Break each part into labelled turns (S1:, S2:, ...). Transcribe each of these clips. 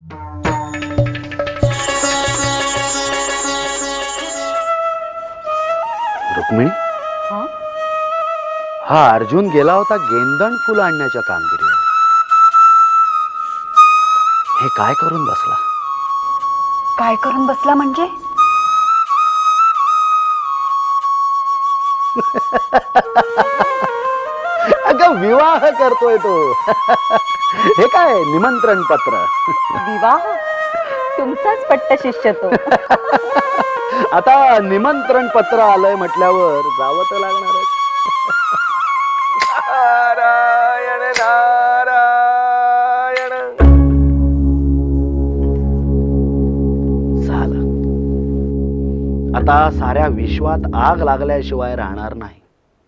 S1: रुक्मिणी, हा अर्जुन गेला होता गेंदण फुलं आणण्याच्या कामगिरीवर. हे काय करून बसला?
S2: काय करून बसला म्हणजे?
S1: अगं विवाह करतोय तो. हे काय निमंत्रण पत्र?
S2: विवाह? तुमचाच पट्ट शिष्य तो.
S1: आता निमंत्रण पत्र आलंय म्हटल्यावर जावं तर लागणारच.
S3: नारायण नारायण.
S1: झालं. आता साऱ्या विश्वात आग लागल्याशिवाय राहणार नाही.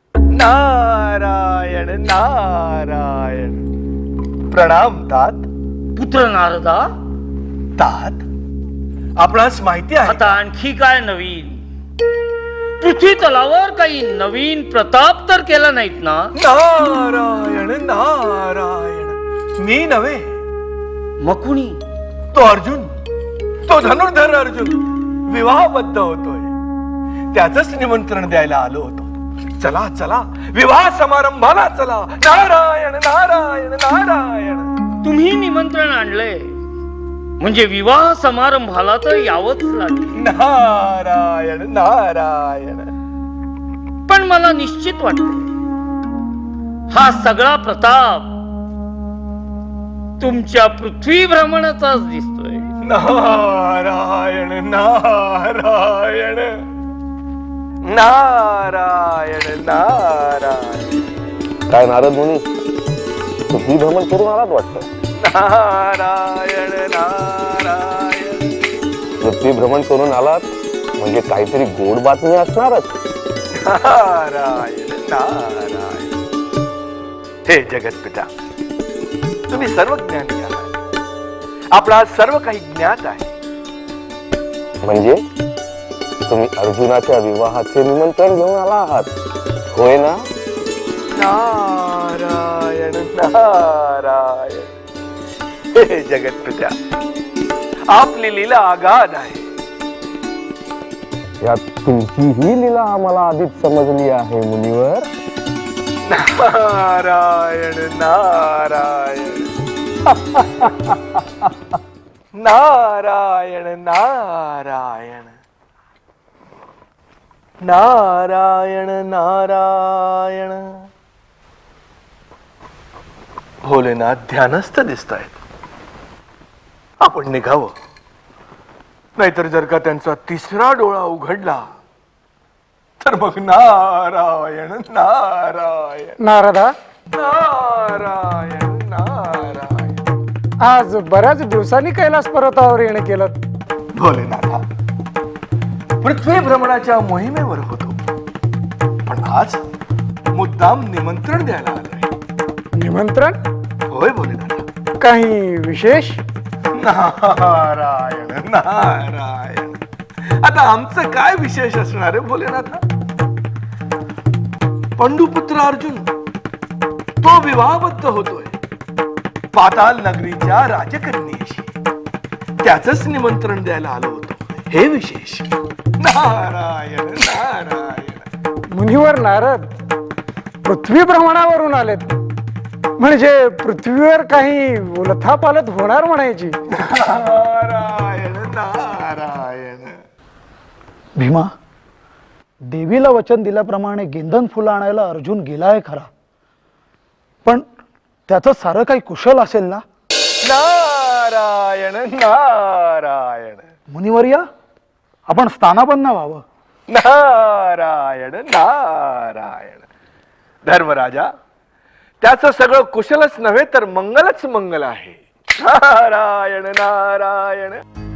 S3: नारायण नारायण. प्रणाम तात.
S4: पुत्र नारदा,
S3: तात, आपणास माहिती आहे
S4: आता आणखी काय नवीन? पृथ्वी तलावर काही नवीन प्रताप तर केला नाहीत ना?
S3: नारायण नारायण. मी नव्हे,
S4: मग कुणी?
S3: तो अर्जुन, तो धनुर्धर अर्जुन विवाहबद्ध होतोय. त्याचंच निमंत्रण द्यायला आलो होतो. चला चला, विवाह समारंभाला चला. नारायण नारायण नारायण.
S4: तुम्ही निमंत्रण आणले म्हणजे विवाह समारंभाला तर यावंच लागेल.
S3: नारायण नारायण.
S4: पण मला निश्चित वाटते हा सगळा प्रताप तुमच्या पृथ्वी भ्रमणाचाच दिसतोय.
S3: नारायण नारायण नारायण नारायण.
S5: काय नारद मुनी, पृथ्वी भ्रमण करून आलात वाटतं?
S3: नारायण नारायण.
S5: पृथ्वी भ्रमण करून आलात म्हणजे काहीतरी गोड बातमी असणारच.
S3: नारायण नारायण. हे जगतपिता, तुम्ही सर्वज्ञानी आहात. आपला सर्व काही ज्ञात आहे.
S5: म्हणजे तुम्ही अर्जुनाच्या विवाहाचे निमंत्रण घेऊन आला आहात, होय ना?
S3: नारायण नारायण. हे जगतपिता, आपली लीला आगाध आहे.
S5: यात तुमचीही लीला आम्हाला आधीच समजली आहे मुनिवर.
S3: नारायण नारायण. नारायण नारायण. नारायण नारायण. भोलेनाथ ध्यानस्थ दिसतायत. आपण निघावं, नाहीतर जर का त्यांचा तिसरा डोळा उघडला तर मग नारायण नारायण.
S6: नारदा,
S3: नारायण नारायण.
S6: आज बऱ्याच दिवसांनी कैलास पर्वतावर येणं केलं.
S3: भोलेनाथा, पृथ्वी भ्रमणाच्या मोहिमेवर होतो, पण आज मुद्दाम निमंत्रण द्यायला आलोय.
S6: निमंत्रण?
S3: होय भोलेनाथा.
S6: काही विशेष?
S3: नारायण नारायण. आता आमचं काय विशेष असणार आहे भोलेनाथा? पंडुपुत्र अर्जुन तो विवाहबद्ध होतोय पाताल नगरीच्या राजकन्येशी. त्याचंच निमंत्रण द्यायला आलो होतो, हे विशेष. नारायण नारायण.
S6: मुनिवर नारद पृथ्वी भ्रमणावरून आलेत म्हणजे पृथ्वीवर काही उलथापालथ होणार म्हणायची.
S3: नारायण नारायण.
S7: भीमा, देवीला वचन दिल्याप्रमाणे गेंदन फुलं आणायला अर्जुन गेलाय खरा, पण त्याचं सारं काही कुशल असेल ना?
S3: नारायण नारायण.
S7: मुनिवर्या, आपण स्थानापन्न व्हावं.
S3: नारायण नारायण. धर्मराजा, त्याचं सगळं कुशलच नव्हे तर मंगलच मंगल आहे. नारायण नारायण.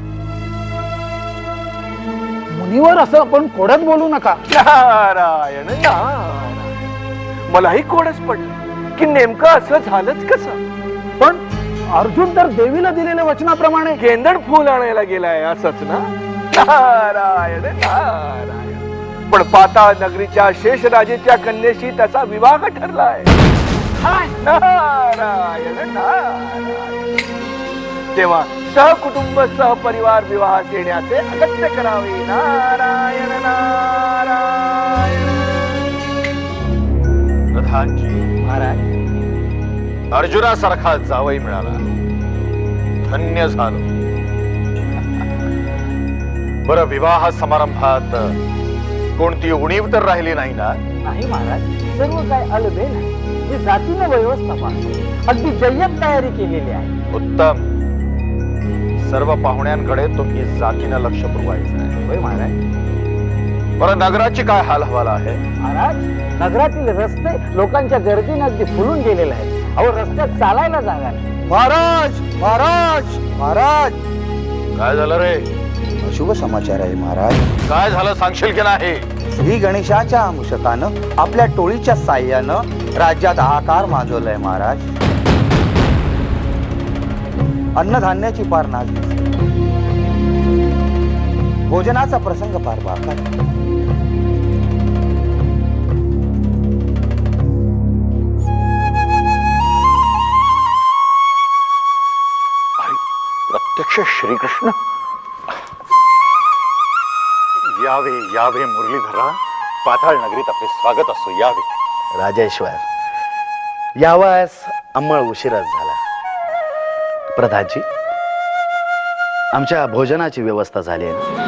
S7: मुनिवर, असं आपण कोड्यात बोलू नका.
S3: नारायण नारायण. मलाही कोडच पडलं की नेमकं असं झालंच कसं.
S7: पण अर्जुन तर देवीला दिलेल्या वचनाप्रमाणे
S3: गेंदण फुल आणायला गेलाय असंच ना? नारायण नारायण. पण पाताळ नगरीच्या शेषराजेच्या कन्येशी त्याचा विवाह ठरलाय. नारायण नारायण. तेव्हा सहकुटुंब सहपरिवार विवाहास येण्याचे अगत्य करावे. नारायण नारायण.
S1: प्रधानजी,
S2: महाराज
S1: अर्जुनासारखा जावई मिळाला, धन्य झालो. बरं, विवाह समारंभात कोणती उणीव तर राहिली नाही ना?
S2: नाही महाराज, सर्व काय अलबेल आहे. मी जातीनं व्यवस्था पाहतो, अगदी जय्यत तयारी केलेली आहे.
S1: उत्तम. सर्व पाहुण्यांकडे तुम्ही जातीनं लक्ष पुरवायचं आहे.
S2: होय महाराज.
S1: बरं, नगराची काय हाल हवाला आहे?
S2: महाराज, नगरातील रस्ते लोकांच्या गर्दीने अगदी फुलून गेलेले आहेत. अहो, रस्त्यात चालायला जागा नाही.
S8: महाराज महाराज महाराज,
S1: काय झालं रे?
S8: शुभ समाचार आहे महाराज.
S1: काय झालं सांगशील की नाही?
S8: श्री गणेशाच्या मुशकानं आपल्या टोळीच्या साह्यानं राज्यात हाहाकार माजवलाय महाराज. अन्नधान्याची पार नाच दिसते. भोजनाचा प्रसंग फार बाका.
S1: प्रत्यक्ष श्रीकृष्ण. यावे यावे मुरलीधरा, पाताळ नगरीत आपले स्वागत असो. यावे. राजेश्वर, यावास अंमळ उशीरच झाला. प्रधानजी, आमच्या भोजनाची व्यवस्था झाली आहे ना?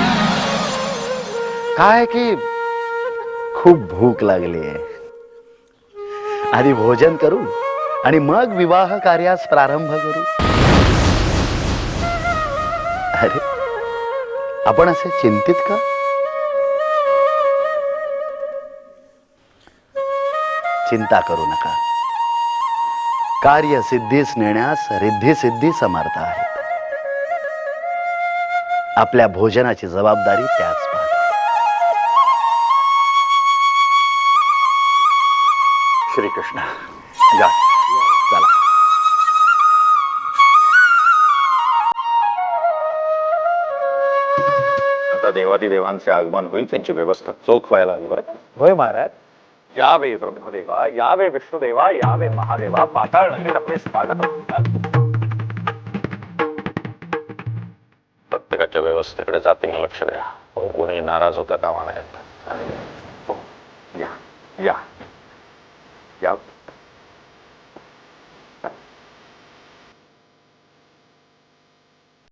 S1: काय की खूप भूक लागली आहे. आधी भोजन करू आणि मग विवाह कार्यास प्रारंभ करू. अरे, आपण असे चिंतित का? चिंता करू नका. कार्य सिद्धीस नेण्यास रिद्धी सिद्धी समर्थ आहेत. आपल्या भोजनाची जबाबदारी त्याच पाहतात. श्रीकृष्ण, या. चला. आता देवादिदेवांचे आगमन होईल, त्यांची व्यवस्था चोख व्हायला हवी. बरं?
S2: होय महाराज.
S1: यावे ब्रह्मदेवा, यावे विष्णुदेवा, यावे महादेवा, पाताळ नगरीत आपले स्वागत. प्रत्येकाच्या व्यवस्थेकडे जातीने लक्ष द्या. कोणी नाराज होता कामा नये. या या या.